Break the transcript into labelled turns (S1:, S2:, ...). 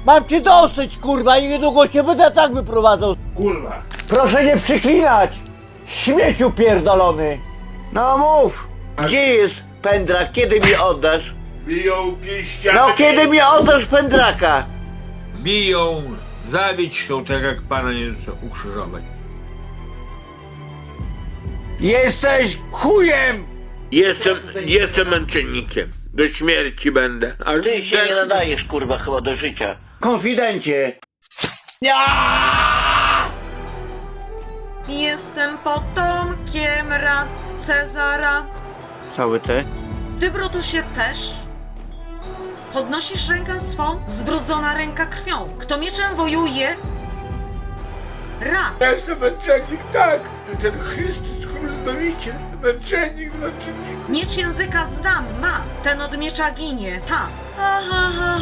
S1: Mam cię dosyć, kurwa, i niedługo się będę tak wyprowadzał.
S2: Kurwa.
S1: Proszę nie przyklinać! Śmieciu pierdolony! No mów! Gdzie jest pędrak? Kiedy mi oddasz?
S2: Biją pięściami.
S1: No kiedy mi oddasz pędraka?
S3: Biją, zabić chcą, tak jak Pana Jezusa ukrzyżować.
S1: Jesteś chujem!
S4: Jestem męczennikiem. Do śmierci będę. Ale
S1: Ty się nie nadajesz, kurwa, chyba do życia. Konfidencie!
S5: Jestem potomkiem Cezara.
S1: Cały te?
S5: Ty, Brutusie, też? Podnosisz rękę swą, zbrudzona ręka krwią. Kto mieczem wojuje,
S2: Ja jestem męczennik, tak. Ten Chrystus, król Zbawiciel. Męczennik.
S5: Miecz języka zdam ma, ten od miecza ginie, ta. Ha, ha, ha,